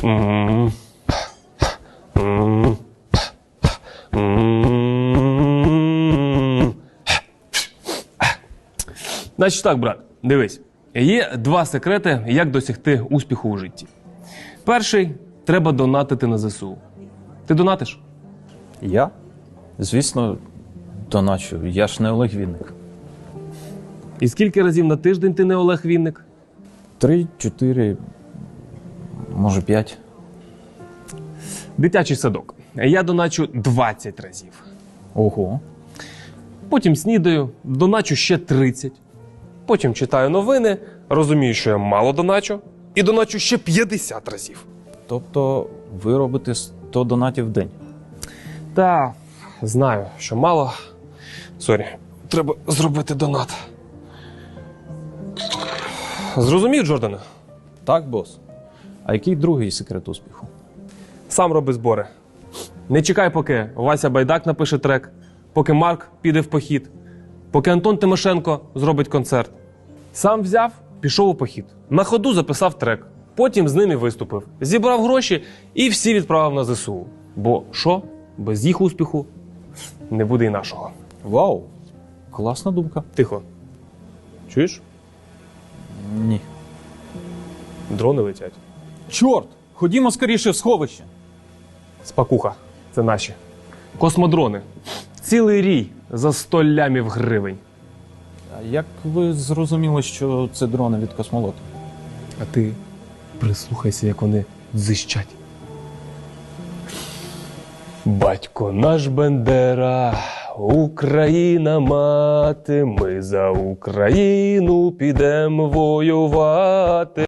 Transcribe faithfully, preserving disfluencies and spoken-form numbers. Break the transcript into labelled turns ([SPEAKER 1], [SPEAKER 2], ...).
[SPEAKER 1] М. М. М. Значить так, брат, дивись. Є два секрети, як досягти успіху у житті. Перший – треба донатити на ЗСУ. Ти донатиш?
[SPEAKER 2] Я? Звісно, доначу. Я ж не Олег Вінник.
[SPEAKER 1] І скільки разів на тиждень ти не Олег Вінник?
[SPEAKER 2] Три, чотири, може п'ять.
[SPEAKER 1] Дитячий садок. Я доначу двадцять разів.
[SPEAKER 2] Ого.
[SPEAKER 1] Потім снідаю, доначу ще тридцять. Потім читаю новини, розумію, що я мало доначу, і доначу ще п'ятдесят разів.
[SPEAKER 2] Тобто ви робите сто донатів в день?
[SPEAKER 1] Та, знаю, що мало. Сорі, треба зробити донат. Зрозумів, Джордане?
[SPEAKER 2] Так, бос. А який другий секрет успіху?
[SPEAKER 1] Сам роби збори. Не чекай, поки Вася Байдак напише трек, поки Марк піде в похід, поки Антон Тимошенко зробить концерт. Сам взяв, пішов у похід. На ходу записав трек. Потім з ними виступив. Зібрав гроші і всі відправив на ЗСУ. Бо що? Без їх успіху не буде і нашого.
[SPEAKER 2] Вау! Класна думка.
[SPEAKER 1] Тихо. Чуєш?
[SPEAKER 2] Ні.
[SPEAKER 1] Дрони летять.
[SPEAKER 2] Чорт! Ходімо скоріше в сховище.
[SPEAKER 1] Спакуха. Це наші. Космодрони. Цілий рій за сто лямів гривень.
[SPEAKER 2] А як ви зрозуміли, що це дрони від космолоту?
[SPEAKER 1] А ти прислухайся, як вони дзищать. Батько наш Бендера, Україна мати, ми за Україну підемо воювати.